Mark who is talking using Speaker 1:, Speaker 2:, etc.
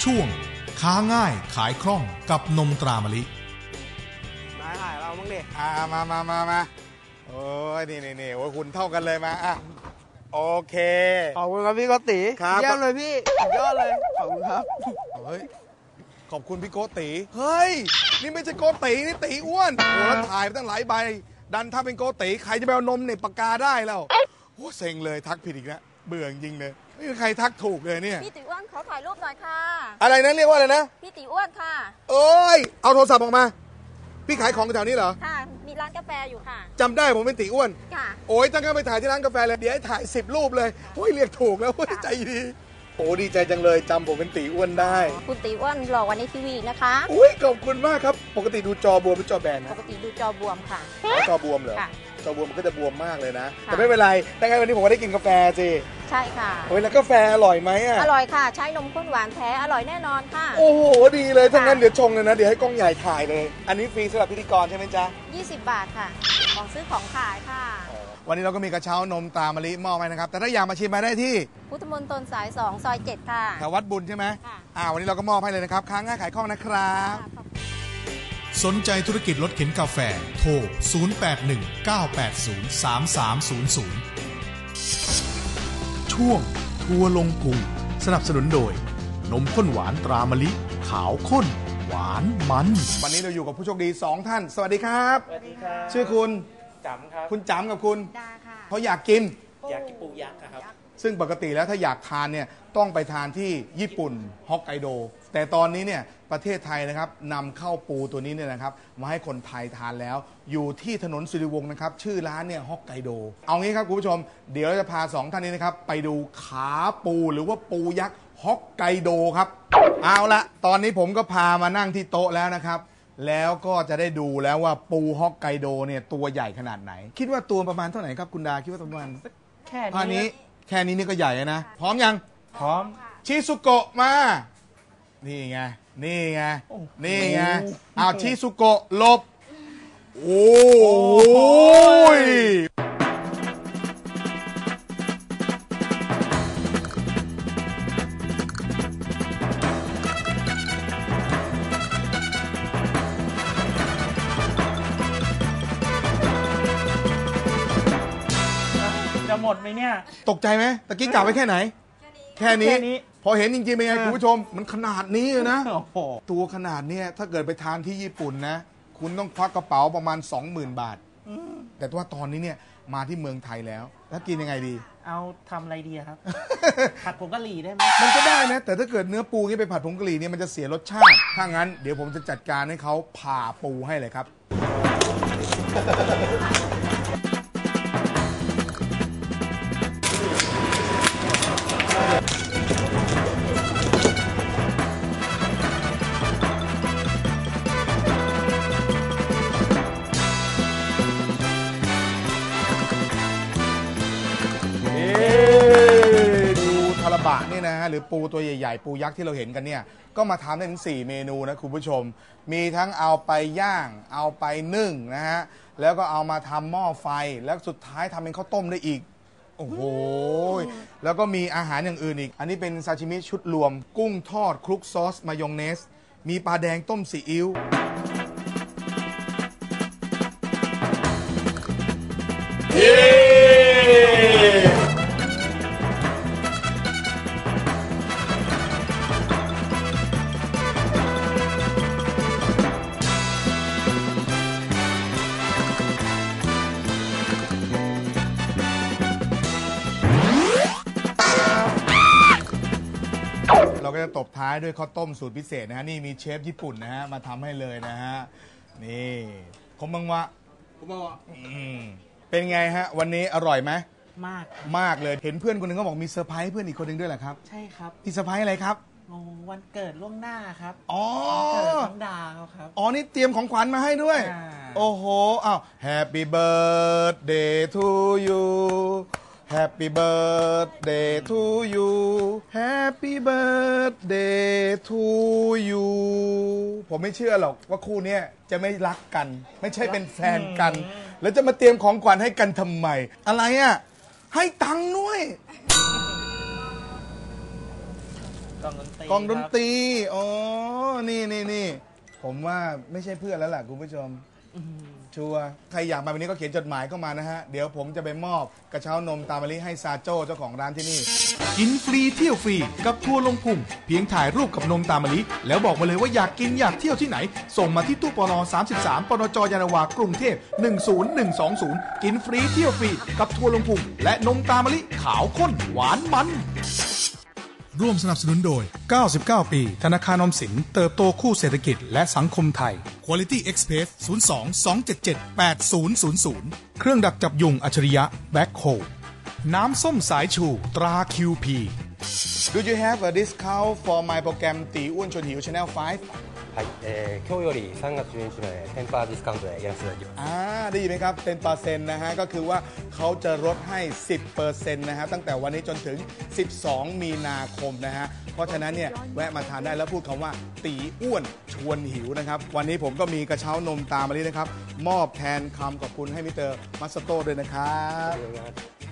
Speaker 1: ช่วงค้าง่ายขายคล่องกับนมตรามะลิ
Speaker 2: นายขายเราบ้างดิมาโอ้ยนี่โอ้ยคุณเท่ากันเลยมาอ่ะโอเค
Speaker 3: ขอบคุณครับพี่โกติ
Speaker 2: ครับ
Speaker 3: เยี่ยมเลยพี่สุดยอดเลยขอบคุณครับ
Speaker 2: เฮ้ยขอบคุณพี่โกติเฮ้ยนี่ไม่ใช่โกตินี่ตีอ้วนโอ้แล้วถ่ายไปตั้งหลายใบดันถ้าเป็นโกติใครจะไปเอานมเนี่ยปากกาได้แล้วโอ้เซ็งเลยทักผิดอีกแล้วเบื่อจริงเลยไม่มีใครทักถูกเลยเนี่ย
Speaker 4: พี่ตีอ้วนขอถ่ายรูปหน่อยค่ะ
Speaker 2: อะไรนะเรียกว่าอะไรนะ
Speaker 4: พี่ตีอ้วนค่ะ
Speaker 2: เอ้ยเอาโทรศัพท์ออกมาพี่ขายของแถวนี้เหรอ
Speaker 4: ค่ะมีร้านกาแฟอยู่ค่ะ
Speaker 2: จำได้ผมเป็นตีอ้วน
Speaker 4: ค่ะ
Speaker 2: โอ้ยตั้งแต่ไปถ่ายที่ร้านกาแฟเลยเดี๋ยวให้ถ่าย10 รูปเลยโอ้ยเรียกถูกแล้วใจดีโอ้ดีใจจังเลยจำผมเป็นตีอ้วนได้
Speaker 4: คุณตีอ้วนหล่อวันนี้ทีวีนะคะ
Speaker 2: อุ้ยขอบคุณมากครับปกติดูจอบวมหรือจอแบนนะ
Speaker 4: ปกติดูจอบวมค่ะ
Speaker 2: จอบวมเหรอจอบวมมันก็จะบวมมากเลยนะแต่ไม่เป็นไรแต่ไงวันนี้ผมก็ได้กินกาแฟสิ
Speaker 4: ใช่ค่ะ
Speaker 2: โอ้ยแล้วกาแฟอร่อยไหมอ่ะ
Speaker 4: อร่อยค่ะใช้นมข้นหวานแท้อร่อยแน่นอนค่ะ
Speaker 2: โอ้โหดีเลยถ้างั้นเดี๋ยวชงเลยนะเดี๋ยวให้กล้องใหญ่ถ่ายเลยอันนี้ฟรีสำหรับพิธีกรใช่ไหมจ๊ะ
Speaker 4: 20 บาทค่ะของซื้อของขายค่ะ
Speaker 2: วันนี้เราก็มีกระเช้านมตรามะลิมอบให้นะครับแต่ถ้าอยากมาชิมมาได้ที่
Speaker 4: พุทธมณฑลสาย2ซอย7ค่ะ
Speaker 2: แถววัดบุญใช่ไหมค่ะวันนี้เราก็มอบให้เลยนะครับค้าง่ายขายคล่องนะครับ
Speaker 1: สนใจธุรกิจรถเข็นกาแฟโทร 0819803300 ช่วงทัวร์ลงพุงสนับสนุนโดยนมข้นหวานตรามะลิขาวข้นหวานมัน
Speaker 2: วันนี้เราอยู่กับผู้โชคดี2ท่านสวัสดีครับ
Speaker 3: สวัสดีครับ
Speaker 2: ชื่อคุณ
Speaker 3: จ๋ำครับ
Speaker 2: คุณจ๋ำกับคุณ
Speaker 4: ดาค่ะ
Speaker 2: เขาอยากกิน
Speaker 3: ปูยักษ์ครับ
Speaker 2: ซึ่งปกติแล้วถ้าอยากทานเนี่ยต้องไปทานที่ญี่ปุ่นฮอกไกโดแต่ตอนนี้เนี่ยประเทศไทยนะครับนำเข้าปูตัวนี้เนี่ยนะครับมาให้คนไทยทานแล้วอยู่ที่ถนนสิริวงศ์นะครับชื่อร้านเนี่ยฮอกไกโดเอางี้ครับคุณผู้ชมเดี๋ยวเราจะพา2ท่านนี้นะครับไปดูขาปูหรือว่าปูยักษ์ฮอกไกโดครับเอาละตอนนี้ผมก็พามานั่งที่โต๊ะแล้วนะครับแล้วก็จะได้ดูแล้วว่าปูฮอกไกโดเนี่ยตัวใหญ่ขนาดไหนคิดว่าตัวประมาณเท่าไหร่ครับคุณดาคิดว่าประมาณ
Speaker 3: แค่นี้
Speaker 2: นี่ก็ใหญ่นะพร้อมยัง
Speaker 3: พร้อม
Speaker 2: ชิซุโกะมานี่ไงเอาชิซุโกะหลบโอ้ย
Speaker 3: จะหมดไหมเนี่ย
Speaker 2: ตกใจไหมตะกี้กล่าวไว้แค่ไหนแค่นี้พอเห็นจริงๆเป็นไงคุณผู้ชมมันขนาดนี้เลยนะตัวขนาดนี้ถ้าเกิดไปทานที่ญี่ปุ่นนะคุณต้องควักกระเป๋าประมาณ 20,000 บาทแต่ว่าตอนนี้เนี่ยมาที่เมืองไทยแล้วกินยังไงดี
Speaker 3: เอาทำอะไรดีครับ ผัดผงกะหรี่ได้ไหม
Speaker 2: มันก็ได้นะแต่ถ้าเกิดเนื้อปูนี่ไปผัดผงกะหรี่เนี่ยมันจะเสียรสชาติถ้างั้นเดี๋ยวผมจะจัดการให้เขาผ่าปูให้เลยครับบะนี่นะฮะหรือปูตัวใหญ่ๆปูยักษ์ที่เราเห็นกันเนี่ยก็มาทำได้ถึง4 เมนูนะคุณผู้ชมมีทั้งเอาไปย่างเอาไปนึ่งนะฮะแล้วก็เอามาทำหม้อไฟแล้วสุดท้ายทำเป็นข้าวต้มได้อีกโอ้โหแล้วก็มีอาหารอย่างอื่นอีกอันนี้เป็นซาชิมิชุดรวมกุ้งทอดคลุกซอสมายองเนสมีปลาแดงต้มซีอิ๊วเราก็จะตบท้ายด้วยข้าวต้มสูตรพิเศษนะฮะนี่มีเชฟญี่ปุ่นนะฮะมาทำให้เลยนะฮะนี่คมบังวะเป็นไงฮะวันนี้อร่อยไหมมากเลยเห็นเพื่อนคนหนึ่งก็บอกมีเซอร์ไพรส์เพื่อนอีกคนหนึ่งด้วยเหรอครับ
Speaker 3: ใช่ครับ
Speaker 2: มีเซอร์ไพรส์อะไรครับ
Speaker 3: วันเกิดล่วงหน้าครับ
Speaker 2: เกิ
Speaker 3: ดน้องดาครับ
Speaker 2: นี่เตรียมของขวัญมาให้ด้วยโอ้โหอ้าว Happy birthday to you Happy birthday to you Happy birthday to you ผมไม่เชื่อหรอกว่าคู่นี้จะไม่รักกันไม่ใช่เป็นแฟนกันแล้วจะมาเตรียมของขวัญให้กันทำไมอะไรอ่ะให้ตังค์ด้วย
Speaker 3: กองดนตรี
Speaker 2: กองดนต
Speaker 3: ครับ
Speaker 2: รีอ๋อนี่ผมว่าไม่ใช่เพื่อนแล้วล่ะคุณผู้ชม ชัวร์ใครอยากมาวันนี้ก็เขียนจดหมายเข้ามานะฮะ เดี๋ยวผมจะไปมอบกระเช้านมตามะลิให้ซาโจ้เจ้าของร้านที่นี่
Speaker 1: กินฟรีเที่ยวฟรีกับทัวร์ลงพุงเพียงถ่ายรูปกับนมตามะลิแล้วบอกมาเลยว่าอยากกินอยากเที่ยวที่ไหน ส่งมาที่ตู้ปน33ปนจยานนาวากรุงเทพ10120กินฟรีเที่ยวฟรีกับทัวร์ลงพุงและนมตามะลิขาวข้นหวานมันร่วมสนับสนุนโดย99ปีธนาคารออมสินเติบโตคู่เศรษฐกิจและสังคมไทย Quality Express 02-277-8000 เครื่องดักจับยุงอัจฉริยะแบ็คโฮน้ำส้มสายชูตรา QP
Speaker 2: Do you have a discount for my program ตีอ้วนชวนหิว Channel 5
Speaker 5: はい、今日より3月12日まで10%ディスカウントでやらせていただきます。
Speaker 2: ได้ยินไหมครับ10%นะฮะก็คือว่าเขาจะลดให้ 10% นะฮะตั้งแต่วันนี้จนถึง12มีนาคมนะฮะเพราะฉะนั้นเนี่ยแวะมาทานได้แล้วพูดคำว่าตีอ้วนชวนหิวนะครับวันนี้ผมก็มีกระเช้านมตามมาลีนะครับมอบแทนคำขอบคุณให้มิสเตอร์มัสโต้ด้วยนะครับ